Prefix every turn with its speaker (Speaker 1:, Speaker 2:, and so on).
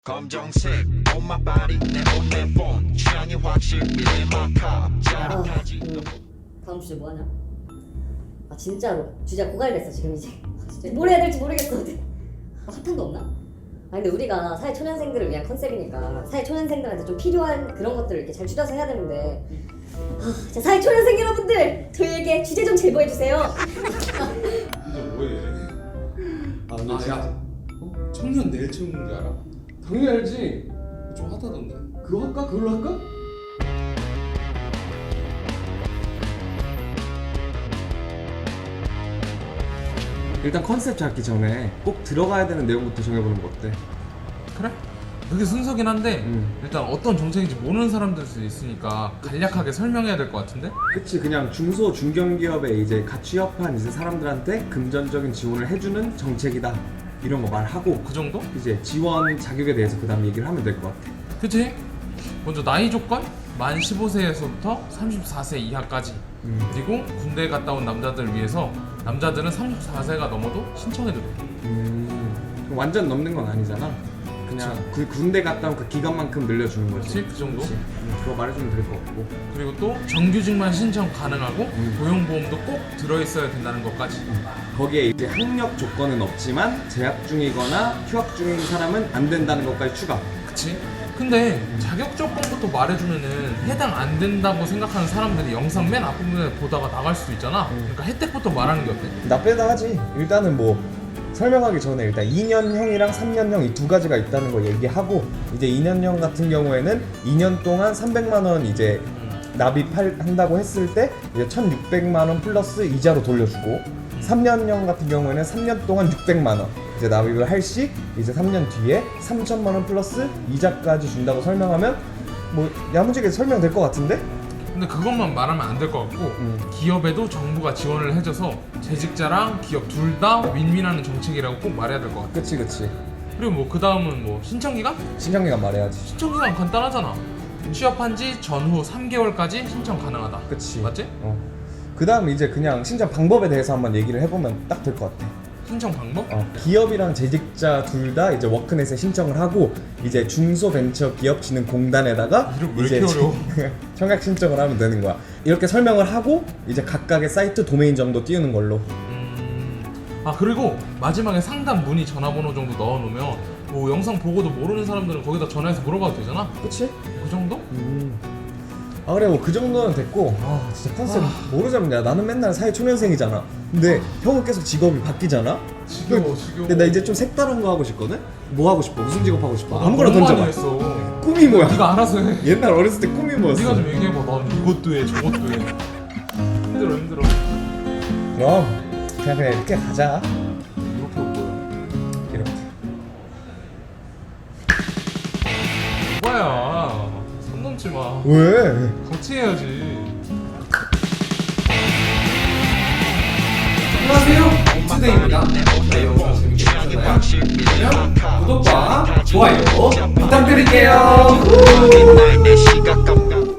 Speaker 1: 검정색 on my body 내 옷내 폰 취향이 확실히 내 마카 짜릿하지
Speaker 2: 다음 주제 뭐 하냐? 아 진짜로 주제가 고갈됐어 지금 이제. 진짜 뭘 해야 될지 모르겠거든. 핫한도 없나? 아 근데 우리가 사회 초년생들을 위한 컨셉이니까 사회 초년생들한테 좀 필요한 그런 것들을 이렇게 잘 줄여서 해야 되는데 자 사회 초년생 여러분들 저희에게 주제 좀 제보해 주세요.
Speaker 3: 이제 뭐해?
Speaker 4: 아 근데
Speaker 3: 야, 청년 내일 채우는 줄 알아?
Speaker 4: 당연히 알지.
Speaker 3: 좀 핫하던데.
Speaker 4: 그거 할까? 그걸로 할까? 일단 컨셉 잡기 전에 꼭 들어가야 되는 내용부터 정해보는 거 어때?
Speaker 3: 그래? 그게 순서긴 한데
Speaker 4: 음.
Speaker 3: 일단 어떤 정책인지 모르는 사람들 수 있으니까 간략하게 설명해야 될 것 같은데?
Speaker 4: 그치, 그냥 중소 중견기업에 이제 갓 취업한 이제 사람들한테 금전적인 지원을 해주는 정책이다 이런 거 말하고
Speaker 3: 그 정도?
Speaker 4: 이제 지원 자격에 대해서 그 다음 얘기를 하면 될 것 같아.
Speaker 3: 그치? 먼저 나이 조건? 만 15세에서부터 34세 이하까지 그리고 군대 갔다 온 남자들을 위해서 남자들은 34세가 넘어도 신청해도 돼.
Speaker 4: 그럼 완전 넘는 건 아니잖아. 그냥 그 군대 갔다 온 그 기간만큼 늘려주는 거지.
Speaker 3: 그치? 그 정도?
Speaker 4: 그치. 그거 말해주면 될 것 같고.
Speaker 3: 그리고 또 정규직만 신청 가능하고 고용보험도 꼭 들어있어야 된다는 것까지.
Speaker 4: 거기에 이제 학력 조건은 없지만 재학 중이거나 휴학 중인 사람은 안 된다는 것까지 추가.
Speaker 3: 그치? 근데 자격 조건부터 말해주면은 해당 안 된다고 생각하는 사람들이 영상 맨 앞부분에 보다가 나갈 수도 있잖아. 그러니까 혜택부터 말하는 게 어때?
Speaker 4: 나쁘다 하지. 일단은 뭐 설명하기 전에 일단 2년형이랑 3년형 이 두 가지가 있다는 거 얘기하고, 이제 2년형 같은 경우에는 2년 동안 300만 원 이제 납입한다고 했을 때 이제 1,600만 원 플러스 이자로 돌려주고, 3년형 같은 경우에는 3년 동안 600만 원 이제 납입을 할 시 이제 3년 뒤에 3천만 원 플러스 이자까지 준다고 설명하면 뭐 야무지게 설명될 것 같은데?
Speaker 3: 근데 그것만 말하면 안 될 것 같고 기업에도 정부가 지원을 해줘서 재직자랑 기업 둘 다 윈윈하는 정책이라고 꼭 말해야 될 것 같아.
Speaker 4: 그치 그치.
Speaker 3: 그리고 뭐 그 다음은 뭐 신청기간?
Speaker 4: 신청기간 말해야지.
Speaker 3: 신청기간 간단하잖아. 취업한 지 전후 3개월까지 신청 가능하다.
Speaker 4: 그치.
Speaker 3: 맞지?
Speaker 4: 그 다음 이제 그냥 신청 방법에 대해서 한번 얘기를 해보면 딱 될 것 같아.
Speaker 3: 신청 방법?
Speaker 4: 기업이랑 재직자 둘 다 이제 워크넷에 신청을 하고 이제 중소벤처기업진흥공단에다가
Speaker 3: 이름 왜 이렇게 어려워?
Speaker 4: 청약 신청을 하면 되는 거야. 이렇게 설명을 하고 이제 각각의 사이트 도메인 정도 띄우는 걸로.
Speaker 3: 아 그리고 마지막에 상담 문의 전화번호 정도 넣어놓으면 뭐 영상 보고도 모르는 사람들은 거기다 전화해서 물어봐도 되잖아?
Speaker 4: 그치?
Speaker 3: 그 정도?
Speaker 4: 아 그래 뭐 그 정도는 됐고, 진짜 컨셉 뭐로 잡냐. 나는 맨날 사회 초년생이잖아. 근데 형은 계속 직업이 바뀌잖아.
Speaker 3: 지겨워.
Speaker 4: 근데 나 이제 좀 색다른 거 하고 싶거든? 뭐 하고 싶어? 무슨 직업 하고 싶어?
Speaker 3: 나
Speaker 4: 아무거나
Speaker 3: 너무
Speaker 4: 던져봐.
Speaker 3: 많이 했어.
Speaker 4: 꿈이 뭐야?
Speaker 3: 네가 알아서 해.
Speaker 4: 옛날 어렸을 때 꿈이 뭐였어?
Speaker 3: 네가 좀 얘기해봐. 난 이것도 해 저것도 해. 힘들어.
Speaker 4: 그럼 그냥 이렇게 가자.
Speaker 3: 이렇게 올 거야.
Speaker 4: 이렇게.
Speaker 3: 오빠야 손 넘지 마.
Speaker 4: 왜?
Speaker 3: 같이 해야지.
Speaker 5: 안녕하세요, 투데이입니다. 네, 영상 재밌게 보셨나요? 그러면 구독과 좋아요 부탁드릴게요.